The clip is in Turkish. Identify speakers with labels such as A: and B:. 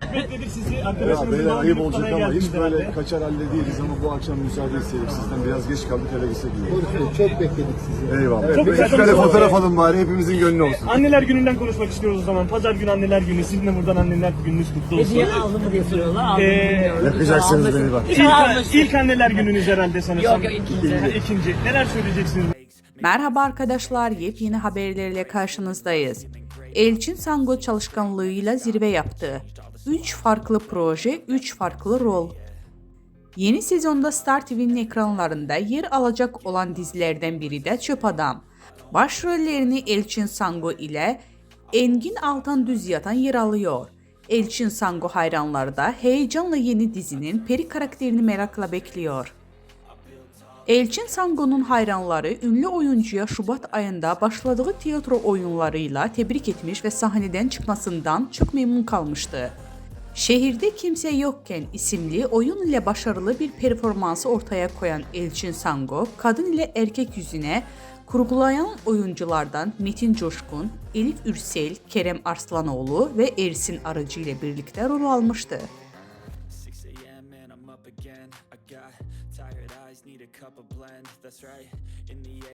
A: Çok bekledik sizi.
B: Ya
A: Arkadaşımızın
B: beyler
A: doğum
B: ayıp
A: günü
B: olacak
A: kutlamaya
B: ama hiç
A: geldiniz
B: böyle
A: herhalde.
B: kaçar halde değiliz ama bu akşam müsaade istedik sizden. Biraz geç kaldık, eve gitsek iyi.
C: Doğru, çok bekledik sizi.
B: Eyvallah.
A: Çok
B: Bir
A: güzel
B: kare
A: konuşma.
B: fotoğraf alın bari, hepimizin gönlü olsun.
A: Anneler gününden konuşmak istiyoruz o zaman. Pazar günü anneler günü. Sizin de buradan anneler gününüz kutlu olsun.
D: Hediye aldın mı diye soruyorlar. Aldım bilmiyorum.
B: Yakacaksınız beni bak.
A: İlk anneler gününüz herhalde sanırsam.
D: Yok, ikinci.
A: İkinci. Neler söyleyeceksiniz?
E: Merhaba arkadaşlar, yepyeni haberlerle karşınızdayız. Elçin Sango çalışkanlığıyla zirve yaptı. 3 farklı proje, 3 farklı rol. Yeni sezonda Star TV'nin ekranlarında yer alacak olan dizilerden biri de Çöp Adam. Başrollerini Elçin Sango ile Engin Altan Düzyatan yer alıyor. Elçin Sango hayranları da heyecanla yeni dizinin Peri karakterini merakla bekliyor. Elçin Sango'nun hayranları ünlü oyuncuya Şubat ayında başladığı tiyatro oyunlarıyla tebrik etmiş ve sahneden çıkmasından çok memnun kalmıştı. Şehirde Kimse Yokken isimli oyun ile başarılı bir performansı ortaya koyan Elçin Sango, kadın ile erkek yüzüne kurgulayan oyunculardan Metin Coşkun, Elif Ürsel, Kerem Arslanoğlu ve Ersin Arıcı ile birlikte rol almıştı.
F: 6 a.m. and I'm up again. I got tired eyes, need a cup of blend. That's right. In the